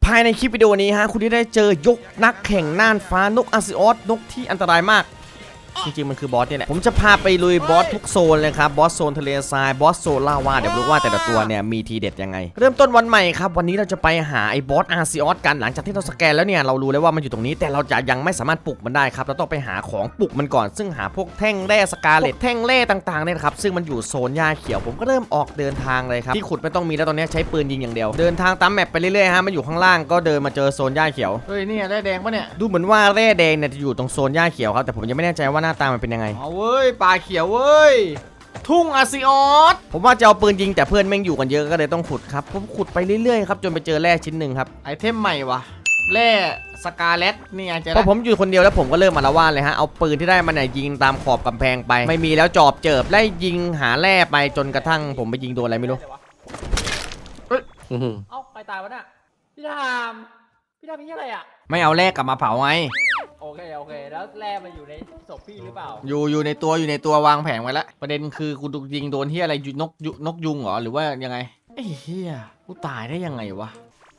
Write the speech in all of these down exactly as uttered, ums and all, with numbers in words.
ภายในคลิปวิดีโอนี้ฮะคุณได้เจอยกนักแข่งน่านฟ้านกอาซิออสนกที่อันตรายมากจริงๆมันคือบอสนี่แหละผมจะพาไปลุยบอสทุกโซนเลยครับบอสโซนทะเลทรายบอสโซนลาวาเดี๋ยวรู้ว่าแต่ละตัวเนี่ยมีทีเด็ดยังไงเริ่มต้นวันใหม่ครับวันนี้เราจะไปหาไอ้บอสอาซิออสกันหลังจากที่เราสแกนแล้วเนี่ยเรารู้แล้วว่ามันอยู่ตรงนี้แต่เราจะยังไม่สามารถปลุกมันได้ครับเราต้องไปหาของปลุกมันก่อนซึ่งหาพวกแท่งแร่สกาเลตแท่งแร่ต่างๆเนี่ยครับซึ่งมันอยู่โซนหญ้าเขียวผมก็เริ่มออกเดินทางเลยครับที่ขุดไม่ต้องมีแล้วตอนนี้ใช้ปืนยิงอย่างเดียวเดินทางตามแมปไปเรื่อยๆฮะมันอยู่ข้างล่างก็เดินมาเจอโซนหญ้าเขียวเฮ้ยนี่แร่แดงปะเนี่ยดูเหมือนว่าแร่แดงเนี่ยจะอยู่ตรงโซนหญ้าเขียวครับแต่ผมยังไม่แน่ใจว่าหน้าตามันเป็นยังไงเอาเว้ยป่าเขียวเว้ยทุ่งอาซิออสผมว่าจะเอาปืนยิงแต่เพื่อนแม่งอยู่กันเยอะก็เลยต้องขุดครับผมขุดไปเรื่อยๆครับจนไปเจอแร่ชิ้นหนึ่งครับไอเทมใหม่วะแร่สกาเลตนี่ไงเจอแล้วพอผมอยู่คนเดียวแล้วผมก็เริ่มมาละว่าเลยฮะเอาปืนที่ได้มาเนี่ยยิงตามขอบกำแพงไปไม่มีแล้วจอบเจิบไล่ยิงหาแร่ไปจนกระทั่งผมไปยิงโดนอะไรไม่รู้เอ้ยเอ้าใครตายวะน่ะพี่ทามพี่ทามนี่อะไรอ่ะไม่เอาแร่กลับมาเผาไงโอเคโอเคแล้วแร่มันอยู่ในศพพี่หรือเปล่าอยู่อยู่ในตัวอยู่ในตัววางแผงไว้แล้วประเด็นคือกูยิงโดนที่อะไรนกนกยุงเหรอหรือว่ายังไงไอ้เหี้ยกูตายได้ยังไงวะ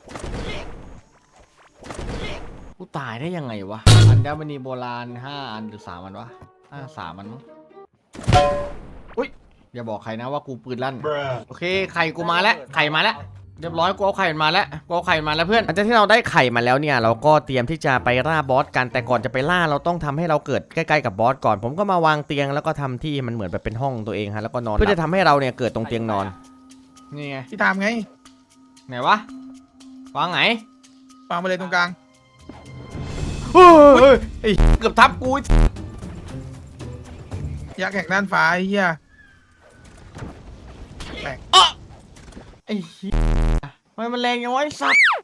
กูตายได้ยังไงวะอัญมณีโบราณห้าอันหรือสามอันวะห้าสามอันมั้งอุ้ยอย่าบอกใครนะว่ากูปืนลั่นโอเคไข่กูมาแล้วไข่มาแล้วเรียบร้อยกูเอาไข่มาแล้วกูเอาไข่มาแล้วเพื่อนหลังจากที่เราได้ไข่มาแล้วเนี่ยเราก็เตรียมที่จะไปล่าบอสกันแต่ก่อนจะไปล่าเราต้องทำให้เราเกิดใกล้ๆกับบอสก่อนผมก็มาวางเตียงแล้วก็ทำที่มันเหมือนแบบเป็นห้องตัวเองฮะแล้วก็นอนเพื่อจะทำให้เราเนี่ยเกิดตรงเตียงนอนนี่ไงพี่ทำไงไหนวะวางไหนวางไปเลยตรงกลางเฮ้ยไอ้เกือบทับกูยักษ์แข่งด้านฟ้าไอ้เหี้ยแปลกไอ้เหี้ยทำไมมันแรงยังวะไอ้สัตว์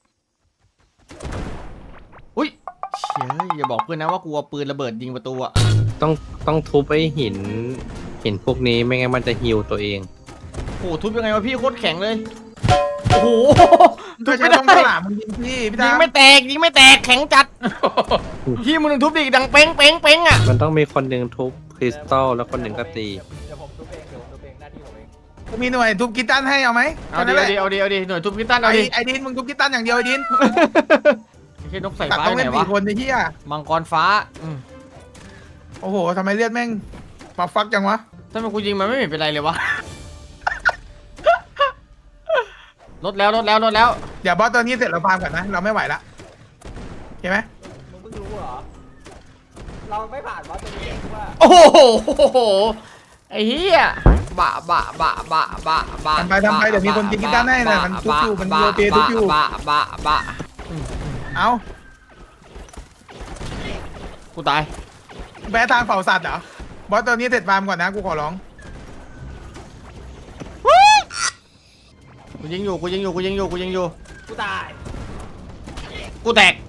อุ้ยเชี่ยอย่าบอกเพื่อนนะว่ากูเอาปืนระเบิดยิงประตูอะต้องต้องทุบไอ้หินหินพวกนี้ไม่งั้นมันจะฮิวตัวเองโอ้ทุบยังไงวะพี่โคตรแข็งเลยโอ้โหทุบไม่ได้หลามมึงยิงพี่พี่ยิงไม่แตกยิงไม่แตกแข็งจัดพี่มึงทุบดิดังเป้งเป้งเป้งอะมันต้องมีคนหนึ่งทุบคริสตัลแล้วคนหนึ่งก็ตีเดี๋ยวผมทุบเองเดี๋ยวผมทุบเองหน้าที่ผมเองมีหน่วยทุบกีตันให้เอาไหมเอาดิเอาดิเอาดิเอาดิหน่วยทุบกีตันเอาดิไอ้ดินมึงทุบกีตันอย่างเดียวไอ้ดินไม่ใช่นกใส่ฟ้าไหนวะคนไอ้เหี้ยมังกรฟ้าโอ้โหทำไมเลือดแม่งมาฟักจังวะถ้ามันกูยิงมันไม่เห็นเป็นไรเลยวะลดแล้วลดแล้วลดแล้วเดี๋ยวบอสตอนนี้เสร็จเราฟาร์มก่อนนะเราไม่ไหวละเห็นไหมมึงเพิ่งรู้เหรอเราไม่ผ่านบอสตัวนี้ว่าโอ้โหไอ้เหี้ยบะบะบะบะบะบะทำไปทำไปเดี๋ยวมีคนยิงกีตาร์ให้นะมันทุบอยู่มันโรเตทุบอยู่บะบะบะเอากูตายแพ้ทางเผาสัตว์เหรอ บอสตอนนี้เสร็จฟาร์มก่อนนะกูขอร้องกูยิงอยู่กูยิงอยู่กูยิงอยู่กูยิงอยู่กูตายกูแตก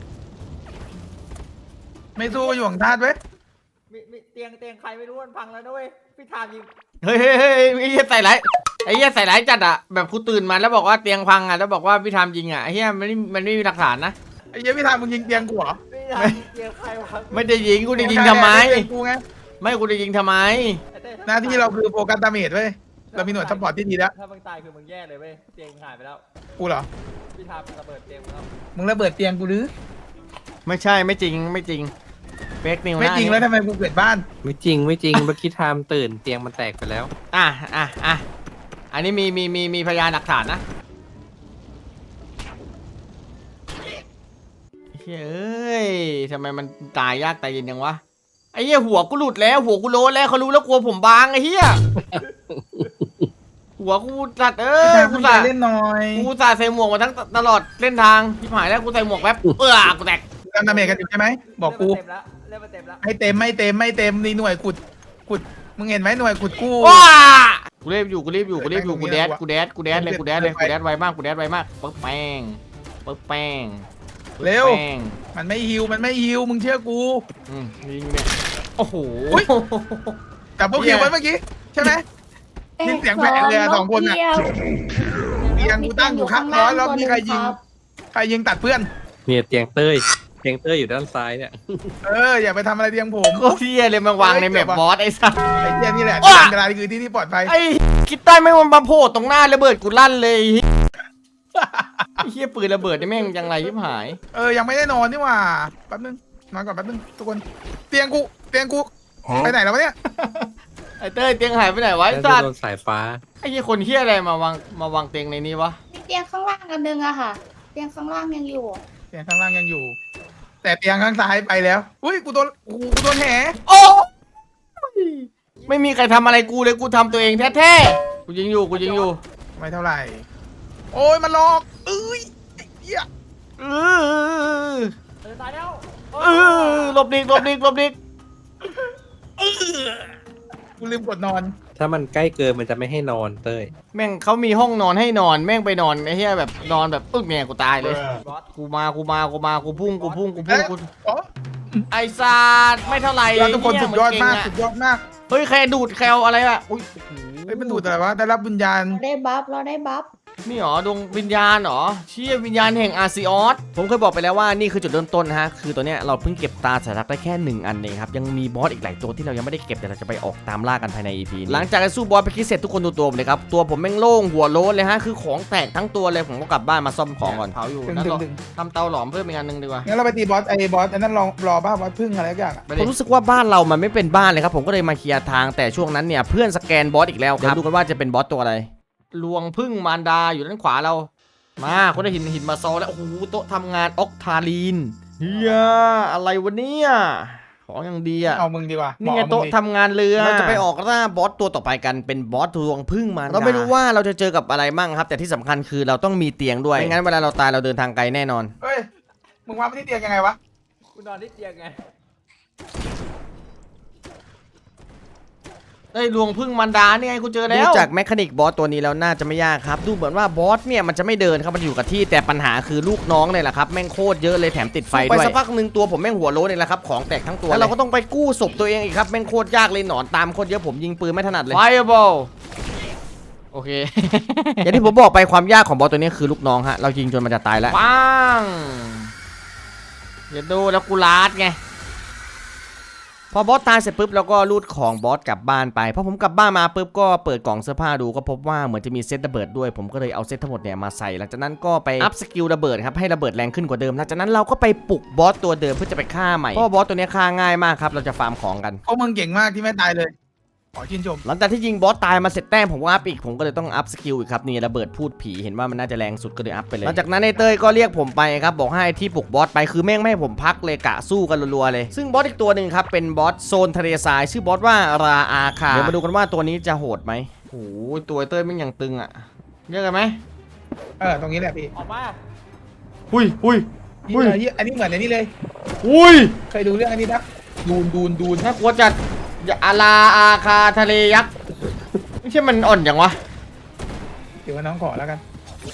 ไม่สู้อยู่ของธาตุเว้ยมีมีเตียงเตียงใครไม่รู้มันพังแล้วนะเว้ยพี่ทามยิงเฮ้ยเฮ้ยเฮ้ยไอ้เหี้ยใส่ร้ายไอ้เหี้ยใส่ร้ายจัดอะแบบกูตื่นมาแล้วบอกว่าเตียงพังอะแล้วบอกว่าพี่ทามยิงอะไอ้เหี้ยมันไม่มันไม่มีหลักฐานนะไอ้เหี้ยพี่ทามมึงยิงเตียงกูเหรอไม่เตียงใครวะไม่ได้ยิงกูจะยิงทำไมไม่กูจะยิงทำไมหน้าที่เราคือโฟกัสดาเมจเว้ยเรามีหน่วยซัพพอร์ตที่ดีแล้วถ้ามึงตายคือมึงแย่เลยเว้ยเตียงหายไปแล้วกูเหรอพี่ทามระเบิดเตียงแล้วมึงระเบิดเตียงกูหรือไม่ใช่ไม่จริงไม่จริงเฟกนิวไม่จริงแล้วทำไมกูเกิดบ้านไม่จริงไม่จริงเมื่อกี้ไทม์ตื่นเตียงมันแตกไปแล้วอ่ะอ่ะอ่ะอันนี้มีมีมีมีพยานหลักฐานนะเฮ้ยทำไมมันตายยากตายเย็นยังวะไอ้เหี้ยหัวกูหลุดแล้วหัวกูโลนแล้วเขารู้แล้วกลัวผมบางไอ้เหี้ยหัวกูตัดเอ้ยกูตัดเล่นหน่อยกูตัดใส่หมวกมาทั้งตลอดเล่นทางที่หายแล้วกูใส่หมวกแป๊บเออกูแตกทำดาเมจกันอยู่ใช่ไหมบอกกูไม่เต็มไม่เต็มไม่เต็มนี่หน่วยขุดขุดมึงเห็นไหมหน่วยขุดกู้กูรีบอยู่กูรีบอยู่กูรีบอยู่กูแดดกูแดดกูแดดเลยกูแดดเลยกูแดดไวมากกูแดดไวมากปึ๊บแป้งปึ๊บแป้งเร็วมันไม่ฮิวมันไม่ฮิวมึงเชื่อกูอืมยิงเนี่ยโอ้โหแต่พวกฮิวไว้เมื่อกี้ใช่ไหมนี่เสียงแผลเลยสองคนอ่ะเตียงกูตั้งอยู่ข้างร้อนแล้วมีใครยิงใครยิงตัดเพื่อนเนี่ยเตียงเต้ยเตียงเต้ยอยู่ด้านซ้ายเนี่ยเอออย่าไปทำอะไรเตียงผมก็เที่ยเลยมาวางในแมปบอสไอ้สัสไอ้เที่ยนี่แหละที่อันตรายคือที่ที่ปลอดภัยไอ้คิดใต้ไม่มันมาโผล่ตรงหน้าระเบิดกูลั่นเลยเฮียปืนระเบิดนี่แม่งยังไรยิบหายเออยังไม่ได้นอนนี่หว่าแป๊บนึงนอนก่อนแป๊บนึงทุกคนเตียงกูเตียงกูไปไหนแล้ววะเนี่ยไอ้เต้ยเตียงหายไปไหนวะไอ้น่าสัจะตโดว์นสายฟ้าไอ้เฮียคนเฮียอะไรมาวางมาวางเตียงในนี้วะมีเตียงข้างล่างอันนึงอะค่ะ เตียงข้างล่างยังอยู่เตียงข้างล่างยังอยู่ แต่เตียงข้างซ้ายไปแล้วอุ้ยกูโดนกูกูโดนแหโอ้ไม่มีใครทำอะไรกูเลยกูทำตัวเองแท้ๆกูยิงอยู่กูยิงอยู่ไม่เท่าไหร่โอ้ยมันหลอกเอ้ยไอ้เหี้ยเออเออตายแล้วเออหลบดิกหลบดิกหลบดิกกูลืมกดนอนถ้ามันใกล้เกินมันจะไม่ให้นอนเต้ยแม่งเขามีห้องนอนให้นอนแม่งไปนอนไอ้เหี้ยแบบนอนแบบปึ๊กเนี่ยกูตายเลยบอสกูมากูมากูมากูพุ่งกูพุ่งกูพุ่งกูอ๋อไอ้ซาดไม่เท่าไหร่เราทุกคนเหี้สุดยอดมากนเงสุอะดยอดมากเฮ้ยใครดูดแคลอะไรอะอุ้ยโอ้โหเฮ้ยมันดูดอะไรวะได้รับวิญญาณเราได้บัฟเราได้บัฟนี่หรอดวงวิญญาณหรอเชี่ยวิญญาณแห่งอาร์ซิออสผมเคยบอกไปแล้วว่านี่คือจุดเริ่มต้นนะฮะคือตัวเนี้ยเราเพิ่งเก็บตาสัญลักษณ์ได้แค่หนึ่งอันเองครับยังมีบอสอีกหลายตัวที่เรายังไม่ได้เก็บแต่เราจะไปออกตามล่ากันภายใน อี พี หลังจากสู้บอสไปคิดเสร็จทุกคนดูตัวผมเลยครับตัวผมแม่งโล่งหัวโล้นเลยฮะคือของแตกทั้งตัวเลยผมก็กลับบ้านมาซ่อมของก่อนเผาอยู่ดึงนั่นดึหรง อดึงทำเตาหลอมเพิ่มอีกอันหนึงดีกว่างั้นเราไปตีบอสไอ้บอสอันนั้นรอรอบ้าบอสพึ่งอะไรสักอย่างอะผมรู้สึกว่าบ้านเรามันไม่เป็นบ้านเลยครับผมก็เลยมาเคลียร์ทางแต่ช่วงนั้นเนี่ยเพื่อนสแกนบอสอีกแล้วครับเดี๋ยวดูกันว่าจะเป็นบอสตัวอะไรลวงพึ่งมารดาอยู่ด้านขวาเรามาคนได้หินหินมาโซแล้วโอ้โหโต๊ะทำงานออกทาลีนเฮียอะไรวะเนี่ยของอย่างดีอะเอามึงดีกว่านี่ไงหมอโต๊ะมึงดิทำงานเรือเราจะไปออกล่าบอสตัวต่อไปกันเป็นบอสลวงพึ่งมารดาเราไม่รู้ว่าเราจะเจอกับอะไรมั่งครับ แต่ที่สำคัญคือเราต้องมีเตียงด้วยไม่งั้นเวลาเราตายเราเดินทางไกลแน่นอนเฮ้ยมึงวางไปที่เตียงยังไงวะกูนอนที่เตียงไงเอ้ยลวงพึ่งมันดานี่ไงกูเจอแล้วดูจากแมคานิกบอสตัวนี้แล้วน่าจะไม่ยากครับดูเหมือนว่าบอสเนี่ยมันจะไม่เดินครับมันอยู่กับที่แต่ปัญหาคือลูกน้องเลยแหละครับแม่งโคตรเยอะเลยแถมติดไฟด้วยไปสักพักหนึ่งตัวผมแม่งหัวโล้นเลยแหละครับของแตกทั้งตัวแล้วเราก็ต้องไปกู้ศพตัวเองอีกครับแม่งโคตรยากเลยหนอนตามโคตรเยอะผมยิงปืนไม่ถนัดเลยไฟบอลโอเค อย่างที่ผมบอกไปความยากของบอสตัวนี้คือลูกน้องฮะเรายิงจนมันจะตายแล้วปังอย่าดูแล้วกูลาดไงพอบอสตายเสร็จปุ๊บเราก็รูดของบอสกลับบ้านไปพอผมกลับบ้านมาปุ๊บก็เปิดกล่องเสื้อผ้าดูก็พบว่าเหมือนจะมีเซตระเบิดด้วยผมก็เลยเอาเซตทั้งหมดเนี่ยมาใส่หลังจากนั้นก็ไปอัพสกิลระเบิดครับให้ระเบิดแรงขึ้นกว่าเดิมหลังจากนั้นเราก็ไปปลุกบอสตัวเดิมเพื่อจะไปฆ่าใหม่เพราะบอสตัวนี้ฆ่าง่ายมากครับเราจะฟาร์มของกันพวกมึงเก่งมากที่ไม่ตายเลยขอชื่นชมหลังจากที่ยิงบอสตายมาเสร็จแต้มผมก็อัพอีกผมก็เลยต้องอัพสกิลอีกครับนี่ระเบิดพูดผีเห็นว่ามันน่าจะแรงสุดก็เลยอัพไปเลยหลังจากนั้นไอ้เต้ยก็เรียกผมไปครับบอกให้ที่ปลุกบอสไปคือแม่งไม่ให้ผมพักเลยกะสู้กันรัวๆเลยซึ่งบอสอีกตัวหนึ่งครับเป็นบอสโซนทะเลทรายชื่อบอสว่าราอาคาเดี๋ยวมาดูกันว่าตัวนี้จะโหดไหมโอ้โหตัวไอ้เต้ยแม่งยังตึงอ่ะเรียกกันไหมเออตรงนี้แหละพี่ออกมาหุยหุยนี่อุ้ยเลยอันนี้เหมือนอันนี้เลยหุยเคยดูเรื่องอันนี้ปะดูนดูนดูนน่ากลัวจัดอย่าอาราอาคาทะเลยักษ์ไม่ใช่มันอ่อนอย่างวะเดี๋ยวว่าน้องขอแล้วกัน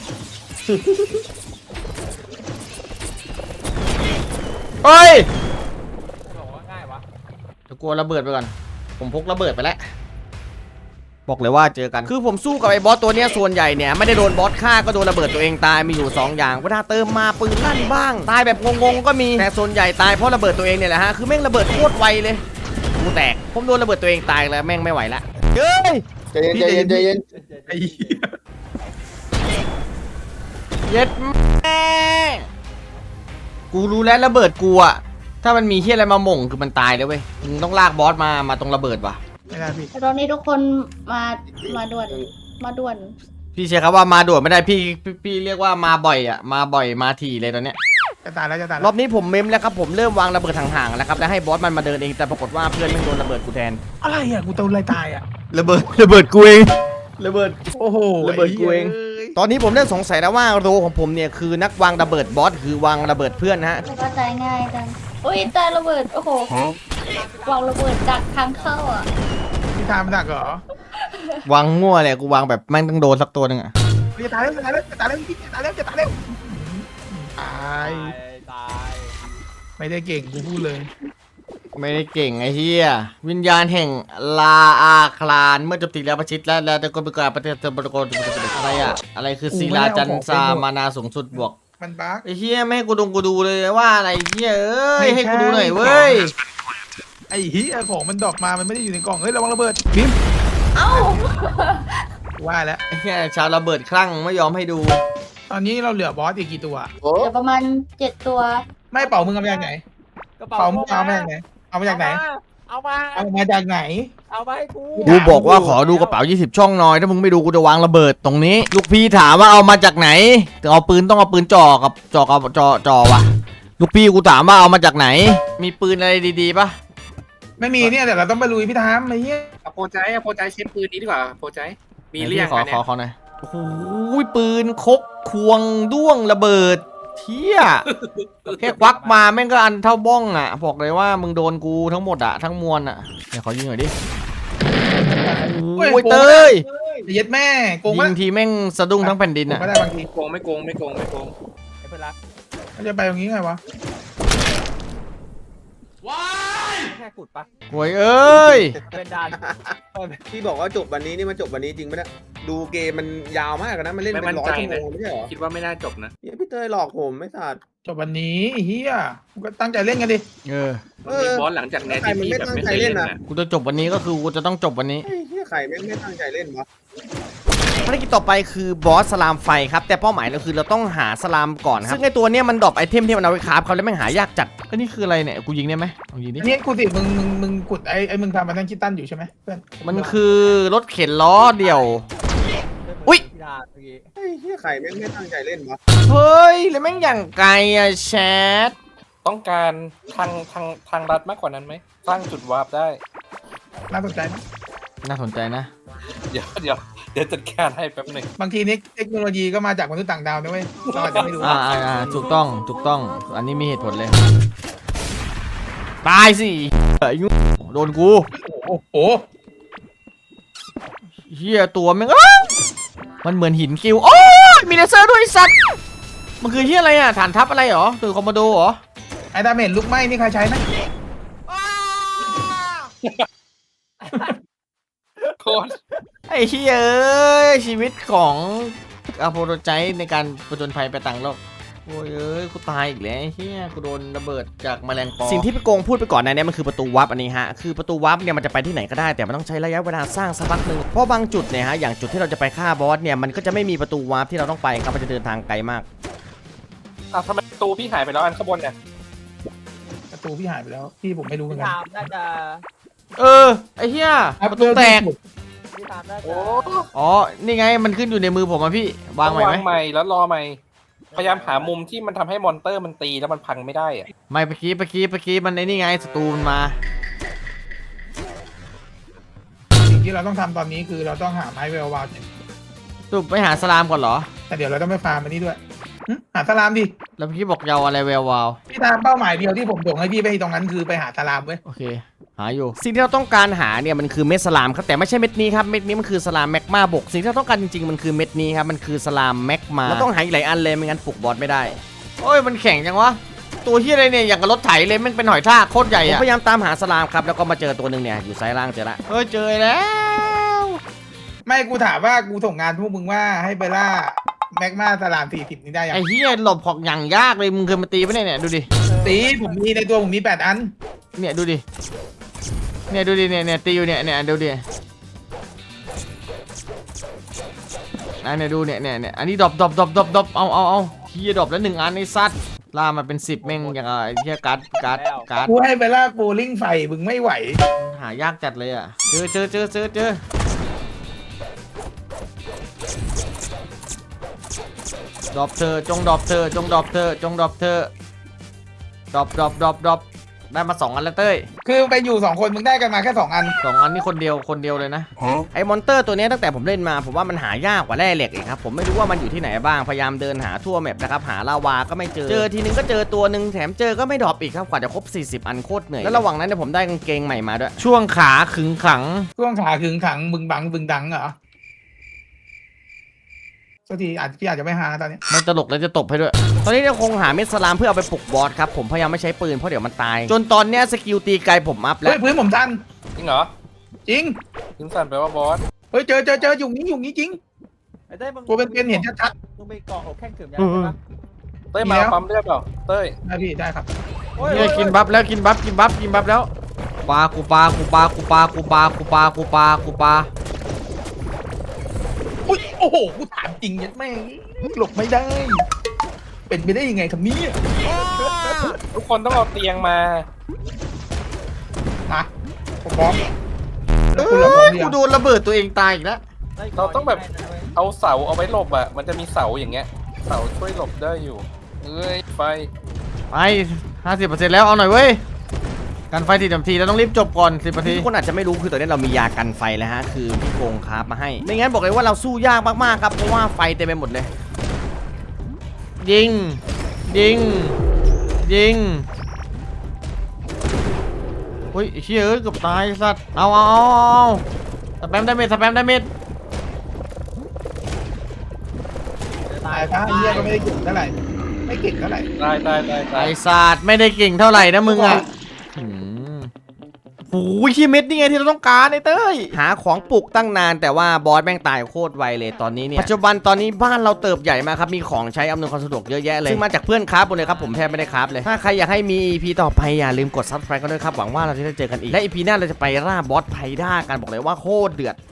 เฮ้ยบอกว่าง่ายวะเดี๋ยวกลัวระเบิดไปก่อนผมพกระเบิดไปแล้วบอกเลยว่าเจอกันคือผมสู้กับไอ้บอสตัวเนี้ยส่วนใหญ่เนี่ยไม่ได้โดนบอสฆ่าก็โดนระเบิดตัวเองตายมีอยู่สองอย่างเวลาเติมมาปืนลั่นบ้างตายแบบงงๆก็มีแต่ส่วนใหญ่ตายเพราะระเบิดตัวเองเนี่ยแหละฮะคือแม่งระเบิดโคตรไวเลยกูแตกผมโดนระเบิดตัวเองตายแล้วแม่งไม่ไหวละเฮ้ยใจเย็นใจเย็นใจเย็นไอ้เย็ดแม่กูรู้แล้วระเบิดกูอะถ้ามันมีเฮียอะไรมาหม่งคือมันตายเลยเว้ยมึงต้องลากบอสมามาตรงระเบิดว่ะไม่ได้พี่ตอนนี้ทุกคนมามาด่วนมาด่วนพี่เชื่อครับว่ามาด่วนไม่ได้พี่พี่พี่เรียกว่ามาบ่อยอะมาบ่อยมาถี่เลยตอนเนี้ยจะตายแล้วจะตายรแล้อวบนี้ผมเมมแล้วครับผมเริ่มวางระเบิดห่างๆแล้วครับแล้วให้บอสมันมาเดินเองแต่ปรากฏว่าเพื่อนไม่โดนระเบิดกูแทนอะไรอ่ะกูโดนอะไรตายอ่ะระเบิดระเบิดกูเองระเบิดโอ้โหระเบิดกูเอง ตอนนี้ผมเริ่มสงสัยแล้วว่าโรของผมเนี่ยคือนักวางระเบิดบอสคือวางระเบิดเพื่อนนะฮะแล้วก็ตายง่ายจังโอ้ยตายระเบิดโอ้โหวางระเบิดจากทางเข้าอ่ะพี่ทามมันหนักเหรอวางมั่วเลยกูวางแบบแม่งต้องโดนสักตัวหนึงอะจะตายแล้วจะตายแล้วจะตายแล้วพี่จะตายแล้วจะตายแล้วตายตายตายไม่ได้เก่งกูพูดเลยไม่ได้เก่งไอ้เหี้ยวิญญาณแห่งลาอาคลานเมื่อโจมตีแล้วประชิดและแล้วแต่ก็เป็นการปฏิเสธบริกรอะไรอะอะไรคือศิลาจันทรามานาสูงสุดบวกมันบั๊กไอ้เหี้ยไม่ให้กูดูกูดูเลยว่าอะไรเหี้ยเอ้ยให้กูดูหน่อยเว้ยไอ้เหี้ยของมันดอกมามันไม่ได้อยู่ในกล่องเฮ้ยระวังระเบิดพิมพ์เอ้าว่าแล้วไอ้เหี้ยชาวระเบิดคลั่งไม่ยอมให้ดูตอนนี้เราเหลือบอสอีกกี่ตัวโอ้เดี๋ยวประมาณเจ็ดตัวไม่เป่ามึงเอามาจากไหนกระเป่ามึงเอามาจากไหนเอามาจากไหนเอามาเอามาจากไหนเอามาให้กูกูบอกว่าขอดูกระเป๋ายี่สิบช่องหน่อยถ้ามึงไม่ดูกูจะวางระเบิดตรงนี้ ลูกพี่ถามว่าเอามาจากไหนเอาปืนต้องเอาปืนจ่อกับจ่อกับจ่อจ่อวะลูกพี่กูถามว่าเอามาจากไหน มีปืนอะไรดีๆปะไม่มีเนี่ยแต่เราต้องไปลุยพี่ทามไอ้เหี้ยเอาโปรใจเอาโปรใจเชฟปืนนี้ดีกว่าโปรใจมีเรียงขอกันขเนี่อย ขอหน่อยโอ้โหปืนคกควงด้วงระเบิดเที่ยแค่ควักมาแม่งก็อันเท่าบ้องอ่ะบอกเลยว่ามึงโดนกูทั้งหมดอ่ะทั้งมวลอ่ะเดี๋ยวขอยิงหน่อยดิโอ้ยเตยเย็ดแม่โกงยิวะงทีแม่งสะดุ้งทั้งแผ่นดินโกงอ่ะก็ได้บางทีโกงไม่โกงไม่โกงไม่โกงไอ้เพื่อนรักมันจะไปตรงนี้ไงวะแค่ขุดปะโวยเอ้ยเป็นด่านที่บอกว่าจบวันนี้นี่มันจบวันนี้จริงไหมเนี่ยดูเกมมันยาวมากนะมันเล่นไม่เป็มั่นนร้อใจยชั่วโมนะงไม่ใช่เหรอคิดว่าไม่น่าจบนะเนี่ยพี่เต้ยหลอกผมไม่สัตว์จบวันนี้เฮียก็ตั้งใจเล่นกันดิเออเออมีบอสหลังจากแนทใครที่มันพี่ไม่แบบตั้งไม่ใจเคยเล่เล่นนน่ะนะกูจะจบวันนี้ก็คือกูจะต้องจบวันนี้เฮ้ยเฮียใครแม่งไม่ตั้งใจเล่นวะภารกิจต่อไปคือบอสสลามไฟครับแต่เป้าหมายเราคือเราต้องหาสลามก่อนครับซึ่งไอตัวเนี้ยมันดรอปไอเทมที่มันเอาไว้คราฟเขาแล้วแม่งหายากจัดก็นี่คืออะไรเนี่ยกูยิงได้ไหมลองยิงดิอันนี้กูสิมึงมึงมึงกดไอ้ไอ้มึงทำมาทั้งคิตตันอยู่ใช่ไหมเพื่อนมันคือรถเข็นล้อเดี่ยว อุ๊ยที่ด่านเมื่อกี้เฮ้ยเฮียใครแม่งไม่ตั้งใจเล่นวะเฮ้ยแล้วแม่งอย่างไกลอะแชทต้องการทางทางทางรัดมากกว่านั้นไหมสร้างจุดวาร์ปได้น่าสนใจไหมน่าสนใจนะเดี๋ยวเดี๋ยวเดี๋ยวจัดการให้แป๊บหนึ่งบางทีนี้เทคโนโลยีก็มาจากมนุษย์ต่างดาวนะเว้ยเราอาจจะไม่รู้อ่าอ่าอ่าถูกต้องถูกต้องอันนี้มีเหตุผลเลย ตายสิเฮ้ยโดนกูโอ้โหเฮียตัวแม่งอ้าวมันเหมือนหินกิวโอ้ยมีเลเซอร์ด้วยไอ้สัตว์มันคือเฮียอะไรอ่ะฐานทัพอะไรเหรอตือคอมโมโดเหรอไอ้ดาเมจลุกไหม้นี่ใครใช้ไหมโคตรไอ้เฮียเอ้ยชีวิตของอาโปโรไจในการประจนภัยไปต่างโลกโอ้ยเอ้ยกูตายอีกแล้วไอ้เฮียกูโดนระเบิดจากแมลงปอสิ่งที่พี่โกงพูดไปก่อนหนะเนี่ยมันคือประตูวับอันนี้ฮะคือประตูวับเนี่ยมันจะไปที่ไหนก็ได้แต่มันต้องใช้ระยะเวลาสร้างสักพักหนึ่งเพราะบางจุดเนี่ยฮะอย่างจุดที่เราจะไปฆ่าบอสเนี่ยมันก็จะไม่มีประตูวับที่เราต้องไปครับมันจะเดินทางไกลมากอ่ะทำไมประตูพี่หายไปแล้วอันข้างบนเนี่ยประตูพี่หายไปแล้วพี่ผมไม่รู้เหมือพี่นกันทามน่าจะเออไอ้เฮียประตูแตกพี่ทามน่าโอ้จะอ๋อนี่ไงมันขึ้นอยู่ในมือผมอะพี่วางใหม่ไหมวางใหม่แล้วรอใหม่พยายามหามุมที่มันทำให้มอนเตอร์มันตีแล้วมันพังไม่ได้อะไม่เมื่อกี้เมื่อกี้เมื่อกี้มันไอ้นี่ไงศัตรูมันมาสิ่งที่เราต้องทำตอนนี้คือเราต้องหาไม้เวลวาลตุบไปหาสลามก่อนเหรอแต่เดี๋ยวเราต้องไปฟาร์มอันนี้ด้วยหึหาสลามดิแล้วเมื่อกี้บอกยาวอะไรแวววาวพี่ตามเป้าหมายเดียวที่ผมส่งให้พี่ไปตรงนั้นคือไปหาสลามเว้ยโอเคหาอยู่สิ่งที่เราต้องการหาเนี่ยมันคือเม็ดสลามครับแต่ไม่ใช่เม็ดนี้ครับเม็ดนี้มันคือสลามแมกมาบกสิ่งที่เราต้องการจริงๆมันคือเม็ดนี้ครับมันคือสลามแมกมาเราต้องหาอีกหลายอันเลยไม่งั้นปลุกบอสไม่ได้โอ้ยมันแข็งจังวะตัวที่อะไรเนี่ยอย่างกับรถไถเลยมันเป็นหอยทากโคตรใหญ่อะผมพยายามตามหาสลามครับแล้วก็มาเจอตัวหนึ่งเนี่ยอยู่ซ้ายล่างเจอละเฮ้ยเจอแล้วไม่กูถามว่ากูส่งงานพวกมึงว่าให้ไปล่าแมกมาสลามสี่สิบนี่ได้ยังไอ้เฮียหลบของอย่างยากเลยมึงเคยมาตีปะเนี่ยเนี่ยดูดิตีผมมีในตัวผมมีแปดอันเนี่ยดูดิเนี่ยดูดิเนี่ยเนี่ยตีอยู่เนี่ยเนี่ยดูดิอันเนี่ยดูเนี่ยเนี่ยเนี่ยอันนี้ดรอปดรอปดรอปดรอปดรอปเอาเอาเอาเฮียดรอปแล้วหนึ่งอันไอ้ซัดล่ามาเป็นสิบแม่งอย่างไอ้เฮียการ์ดการ์ดการ์ดกูให้ไปล่าโบลิ่งไฟมึงไม่ไหวหายากจัดเลยอ่ะเจอเจอเจอเจอเจอดรอปเธอจงดรอปเธอจงดรอปเธอจงดรอปเธอดรอปดรอปดรอปดรอปได้มาสองอันแล้วเต้ยคือไปอยู่สองคนมึงได้กันมาแค่สองอันสองอันนี่คนเดียวคนเดียวเลยนะไอ้มอนเตอร์ตัวนี้ตั้งแต่ผมเล่นมาผมว่ามันหายากกว่าแร่เหล็กอีกครับผมไม่รู้ว่ามันอยู่ที่ไหนบ้างพยายามเดินหาทั่วแมปนะครับหาลาวาก็ไม่เจอเจอทีนึงก็เจอตัวหนึ่งแถมเจอก็ไม่ดรอปอีกครับกว่าจะครบสี่สิบอันโคตรเหนื่อยแล้วระหว่างนั้นเนี่ยผมได้กางเกงใหม่มาด้วยช่วงขาขึงขังช่วงขาขึงขังบึงบังบึงดังเหรอสักทีอาจพี่อาจจะไม่หาตอนนี้มันตลกแล้วจะตบให้ด้วยตอนนี้เนี่ยคงหาเม็ดสลามเพื่อเอาไปปลุกบอสครับผมพยายามไม่ใช้ปืนเพราะเดี๋ยวมันตายจนตอนเนี้ยสกิลตีไกลผมอัพแล้เฮ้วยพื้นผมทันจริงเหรอจริงถึงสั่นแปลว่าบอสเฮ้ยเจอเจอเจออยู่นี้อยู่นี้จริงไอ้เต้ยมึงตัวเป็นๆเห็นชัดมึงไปเกาะอกแข้งเขื่อนยังใช่ปะเต้ยมามีแล้วปั๊มเลือดเปล่าเต้ยๆได้พี่ได้ครับโอ้ยเนี่ยกินบัฟแล้วกินบัฟกินบัฟกินบัฟแล้วปากูปากูปากูปากูปากูปากูปากูปาอุ้ยโอ้โหกูถามจริงยัดแม่งหลบไม่ได้ เป็นไปได้ยังไงครับเนี่ยทุกคนต้องเอาเตียงมานะผมพร้อมเอคุณละพร้ออมหรือกูยังโดนระเบิดตัวเองตายอีกแล้วเราต้องแบบเอาเสาเอาไว้หลบอ่ะ มันจะมีเสาอย่างเงี้ย เสาช่วยหลบได้อยู่ เอ้ยไฟไป ห้าสิบเปอร์เซ็นต์ แล้วเอาหน่อยเว้ยกันไฟทีเต็มทีเราต้องรีบจบก่อนสิบนาทีทุกคนอาจจะไม่รู้คือตอนนี้เรามียากันไฟแล้วฮะคือพี่โกงคราฟมาให้ไม่งั้นบอกเลยว่าเราสู้ยากมากๆครับเพราะว่าไฟเต็มไปหมดเลยยิงยิงยิงเฮ้ยไอ้เชี่ยเอ้ยเกือบตายไอ้สัตว์เอาเอาเอาเอาสแปมดาเมจสแปมดาเมจตายซะไอ้เหี้ยก็ไม่ได้เก่งเท่าไหร่ไม่เก่งเท่าไหร่ได้ได้ได้ได้ไอ้สัตว์ไม่ได้เก่งเท่าไหร่นะมึงอ่ะหืมโอ้ยที่เม็ดนี่ไงที่เราต้องการไอ้เต้ยหาของปลูกตั้งนานแต่ว่าบอสแม่งตายโคตรไวเลยตอนนี้เนี่ยปัจจุบันตอนนี้บ้านเราเติบใหญ่มากครับมีของใช้อำนวยความสะดวกเยอะแยะเลยซึ่งมาจากเพื่อนคราฟหมดเลยครับผมแทบไม่ได้คราฟเลยถ้าใครอยากให้มี อี พี ต่อไปอย่าลืมกด ซับสไครบ์ กันด้วยครับหวังว่าเราจะได้เจอกันอีกและ อี พี หน้าเราจะไปล่าบอสไพด้ากันบอกเลยว่าโคตรเดือด